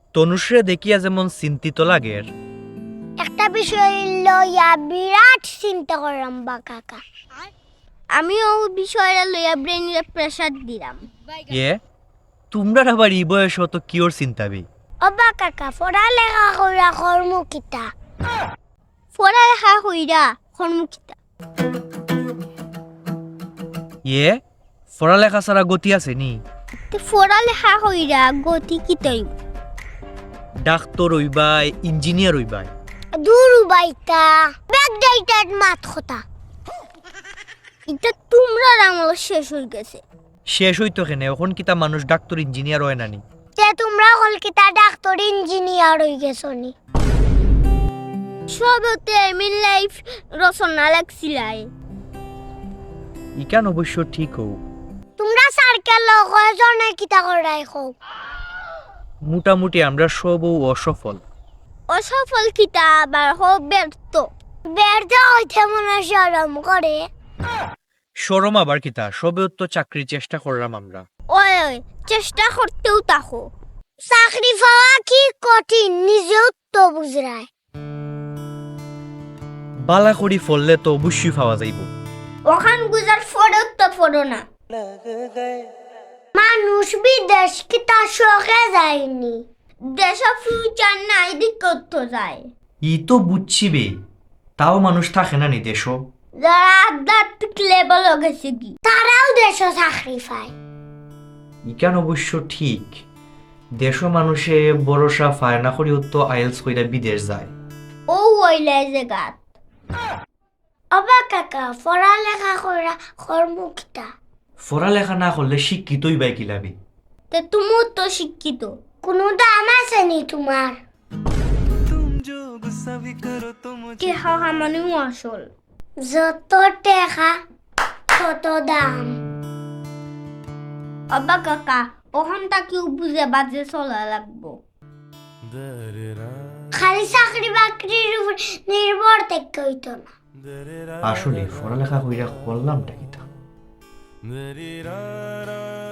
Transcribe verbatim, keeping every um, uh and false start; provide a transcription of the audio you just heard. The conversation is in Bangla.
তনুশ্রে দেখিয়া যেমন চিন্তিত লাগের, একটা বিষয় লইয়া বিরাট চিন্তা করলাম বা কাকা। আমিও বিষয়টা লইয়া ব্রেনের প্রেসার দিলাম। এ তোমরা আবার এই বয়স অত কিওর চিন্তাবি? অবা কাকা পড়ালেখা কইরা কর্মকিতা, পড়ালেখা কইরা কর্মকিতা। এ পড়ালেখা ছাড়া গতি আছে নি? পড়ালেখা কইরা গতি কিতই? Doctor হইবাই, engineer হইবাই। দূর বাইতা ব্যাকডেটেড মাত কথা। এটা তোমরা আমল শেষ হয়ে গেছে। শেষ হইতো কেন? এখন কিতা মানুষ ডাক্তার ইঞ্জিনিয়ার হয় নানি? তে তোমরা কলকাতা ডাক্তার ইঞ্জিনিয়ার হয়ে গেছো নি? সবতে আমি লাইফ রচনা লাগছিলাই। ইকান অবশ্য ঠিক হও। তোমরা সার্কেল কয়জনে কিতা করাই খাও? মোটামুটি আমরা সবও অসফল। অসফল কিতা আবার হোক ব্যর্থ। ব্যর্থ হইতে মনে শরম করে। শরম আবার কিতা? সবেও তো চাকরির চেষ্টা করলাম আমরা। ওই ওই চেষ্টা করতেও তাকো। চাকরি পাওয়া কি কঠিন নিজেও তো বুঝরায়। বালা করি ফললে তো অবশ্যই পাওয়া যাইব। ওখান গুজার ফটো তো ফটো না। মানুষ বিদেশ কিতা শখে যায়নি, দেশ ফিউচার নাই দিকত তো যায়। ই তো বুঝছি বে, তাও মানুষ থাকে না নি দেশ। যারা আধ্যাত্মিক লেভেল গেছে কি তারাও দেশ চাকরি পায়। ইকান অবশ্য ঠিক। দেশ মানুষে ভরসা পায় না করিও তো আইএলস কইরা বিদেশ যায়। ও ওইলে যে গাত অবা কাকা পড়ালেখা করা কর্মকিতা। পড়ালেখা না করলে শিক্ষিতই বাই কিলাবি। তে তুমিও তো শিক্ষিত, কোনো দাম আছে নি তোমার? টেহা মানে আসল, যত টেহা তত দাম। অবা কাকা ওখানটা কেউ বুঝে বাজে চলা লাগবো। খালি চাকরি বাকরির উপর নির্ভর থেকে হইতো না। আসলে পড়ালেখা কইরা করলামটা কিতা?